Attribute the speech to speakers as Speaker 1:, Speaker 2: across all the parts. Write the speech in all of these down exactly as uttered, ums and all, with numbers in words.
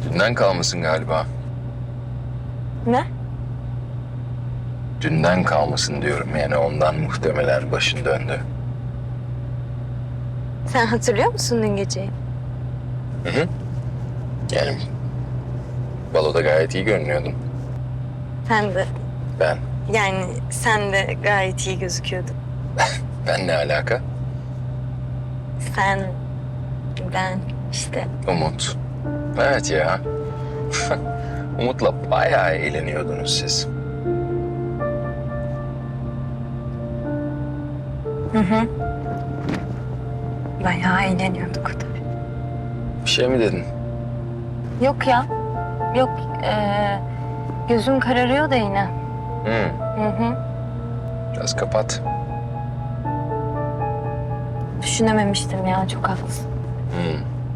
Speaker 1: Dünden kalmasın galiba.
Speaker 2: Ne?
Speaker 1: Dünden kalmasın diyorum, yani ondan muhtemelen başın döndü.
Speaker 2: Sen hatırlıyor musun dün geceyi?
Speaker 1: Hı hı. Yani baloda gayet iyi görünüyordun.
Speaker 2: Sen de.
Speaker 1: Ben.
Speaker 2: Yani sen de gayet iyi gözüküyordun.
Speaker 1: Ben ne alaka?
Speaker 2: Sen, ben işte.
Speaker 1: Umut. Evet ya. Umut'la bayağı eğleniyordunuz siz.
Speaker 2: Hı hı. Bayağı eğleniyorduk tabii.
Speaker 1: Bir şey mi dedin?
Speaker 2: Yok ya. Yok. Ee, gözüm kararıyor da yine.
Speaker 1: Hı.
Speaker 2: Hı hı.
Speaker 1: Biraz kapat.
Speaker 2: Düşünememiştim ya. Çok haklısın.
Speaker 1: Hı.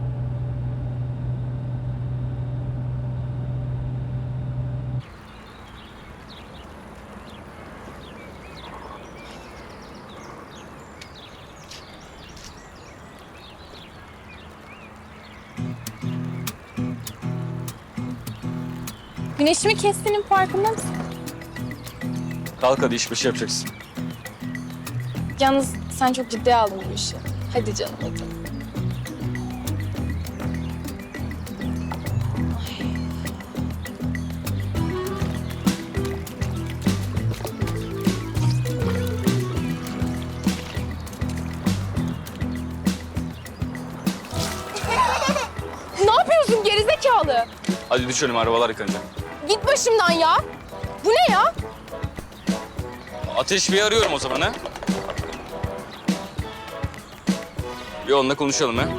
Speaker 3: Güneşimi kestiğinin farkında mısın?
Speaker 4: Kalk hadi iş başı yapacaksın.
Speaker 3: Yalnız sen çok ciddiye aldın bu işi. Hadi canım hadi. Ne yapıyorsun gerizekalı?
Speaker 4: Hadi düşelim, arabalar yıkanacak.
Speaker 3: Git başımdan ya. Bu ne ya?
Speaker 4: Ateş Bey'i arıyorum o zaman ha. Bir onunla konuşalım ha.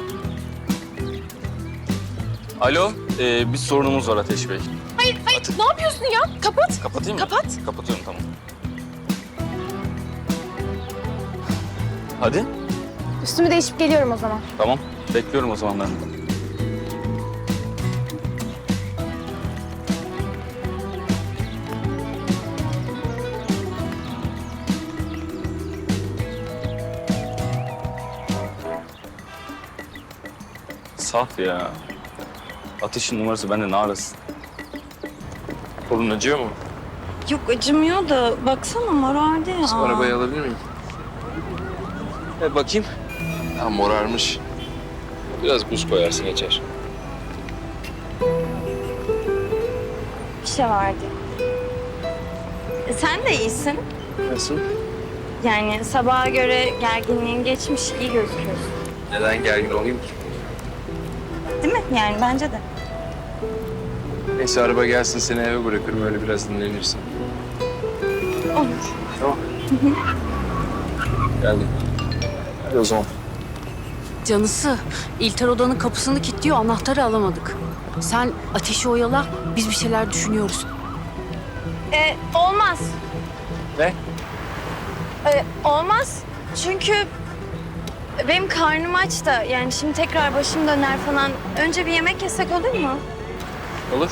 Speaker 4: Alo, ee, bir sorunumuz var Ateş Bey.
Speaker 3: Hayır hayır ne yapıyorsun ya? Kapat.
Speaker 4: Kapatayım mı?
Speaker 3: Kapat.
Speaker 4: Kapatıyorum, tamam. Hadi.
Speaker 3: Üstümü değişip geliyorum o zaman.
Speaker 4: Tamam, bekliyorum o zaman ben. Saf ya. Ateşin numarası bende, ne arasın?
Speaker 1: Kolun acıyor mu?
Speaker 2: Yok acımıyor da baksana morardı ya.
Speaker 1: Şu arabayı alabilir miyim?
Speaker 4: E, bakayım.
Speaker 1: Ha, morarmış. Biraz buz koyarsın, geçer.
Speaker 2: Bir şey vardı. E, sen de iyisin.
Speaker 1: Nasıl?
Speaker 2: Yani sabaha göre gerginliğin geçmiş, iyi gözüküyorsun.
Speaker 1: Neden gergin olayım ki?
Speaker 2: Değil mi? Yani bence de.
Speaker 1: Neyse, araba gelsin, seni eve bırakırım, öyle biraz dinlenirsin.
Speaker 2: Olur.
Speaker 1: Tamam. Geldim. Hadi o zaman.
Speaker 5: Canısı, İlter odanın kapısını kilitliyor, anahtarı alamadık. Sen ateşi oyala, biz bir şeyler düşünüyoruz.
Speaker 2: E, olmaz.
Speaker 1: Ne?
Speaker 2: E, olmaz. Çünkü benim karnım aç da yani şimdi tekrar başım döner falan. Önce bir yemek yesek olur mu?
Speaker 1: Olur.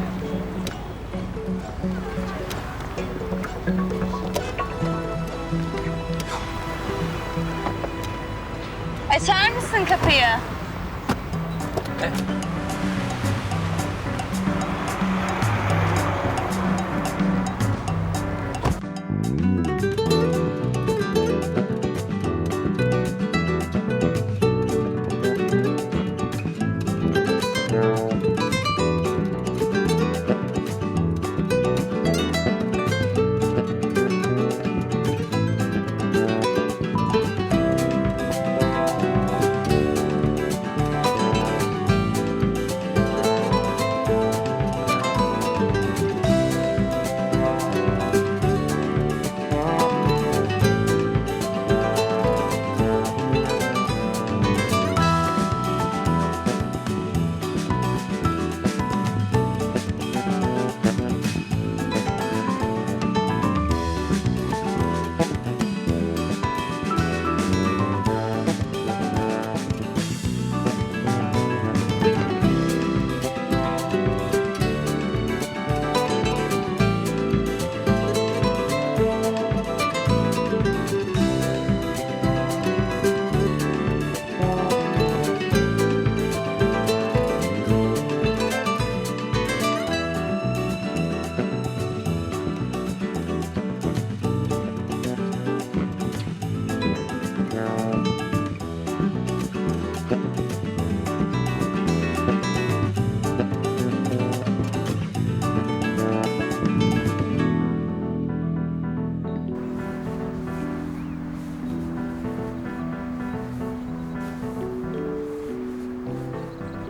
Speaker 2: Açar mısın kapıyı?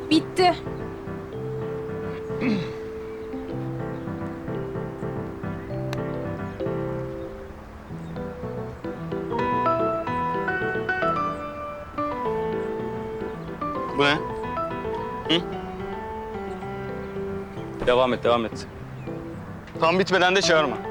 Speaker 3: Bitti.
Speaker 4: Bu ne? Hı? Devam et, devam et. Tam bitmeden de çağırma.